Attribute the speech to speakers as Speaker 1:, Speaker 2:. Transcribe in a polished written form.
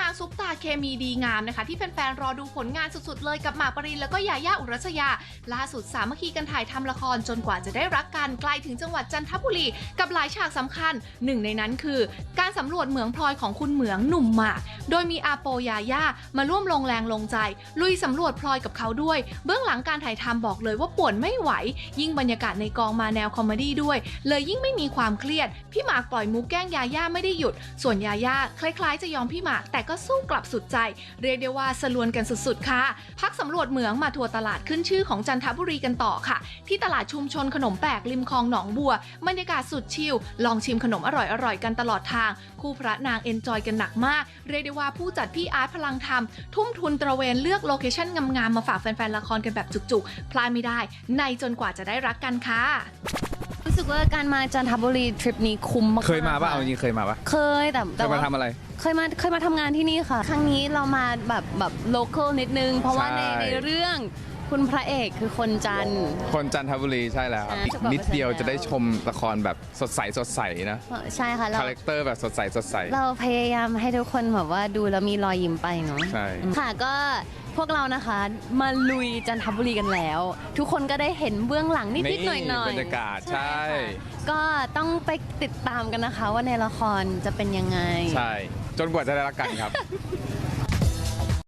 Speaker 1: างซุปตาเคมีดีงามนะคะที่แฟนๆรอดูผลงานสุดๆเลยกับหมากปรินแล้วก็ยาย่าอุรัสยาล่าสุดสามัคคีกันถ่ายทำละครจนกว่าจะได้รักกันไกลถึงจังหวัดจันทบุรีกับหลายฉากสำคัญหนึ่งในนั้นคือการสำรวจเหมืองพลอยของคุณเหมืองหนุ่มหมากโดยมีอาโปยาย่ามาร่วมลงแรงลงใจลุยสำรวจพลอยกับเขาด้วยเบื้องหลังการถ่ายทำบอกเลยว่าป่วนไม่ไหวยิ่งบรรยากาศในกองมาแนวคอมเมดี้ด้วยเลยยิ่งไม่มีความเครียดพี่หมากปล่อยมุกแกล้งยาย่าไม่ได้หยุดส่วนยาย่าคล้ายๆจะยอมพี่หมากแต่ก็สู้กลับสุดใจเรียกได้ว่าสลวนกันสุดๆค่ะพักสำรวจเหมืองมาทัวร์ตลาดขึ้นชื่อของจันทบุรีกันต่อค่ะที่ตลาดชุมชนขนมแปลกริมคลองหนองบัวบรรยากาศสุดชิลลองชิมขนมอร่อยๆกันตลอดทางคู่พระนางเอนจอยกันหนักมากเรียกได้ว่าผู้จัดพี่อาร์ตพลังธรรมทุ่มทุนตระเวนเลือกโลเคชั่นงามๆมาฝากแฟนๆละครกันแบบจุกๆพลาดไม่ได้ในจนกว่าจะได้รักกันค่ะ
Speaker 2: รู้สึกว่าการมาจันทบุรีทริปนี้คุ้มมากๆ
Speaker 3: เคยมาป่ะเอาจริงเคยมาป่ะ
Speaker 2: เคยแต่
Speaker 3: เคยมาทำอะไร
Speaker 2: เคยมาทำงานที่นี่ค่ะ ครั้งนี้เรามาแบบโลคอลนิดนึง เพราะว่า
Speaker 3: ใช่
Speaker 2: ในเรื่องคุณพระเอกคือคนจันทร์
Speaker 3: คนจันทบุรีใช่แล้วครับ
Speaker 2: ใช่
Speaker 3: อีกนิดเดียว
Speaker 2: แล้ว
Speaker 3: จะได้ชมละครแบบสดใสนะ
Speaker 2: ใช่ค่ะ
Speaker 3: คาแรคเตอร์แบบสดใส
Speaker 2: เราพยายามให้ทุกคนแบบว่าดูแล้วมีรอยยิ้มไปเนาะ
Speaker 3: ใช่
Speaker 2: ค่ะก็พวกเรานะคะมาลุยจันทบุรีกันแล้ว ทุกคนก็ได้เห็นเบื้องหลังนิดๆหน่อยๆ
Speaker 3: บรรยากาศใช่
Speaker 2: ค่ะก็ต้องไปติดตามกันนะคะว่าในละครจะเป็นยังไง
Speaker 3: ใช่ จนกว่าจะได้รักกันครับ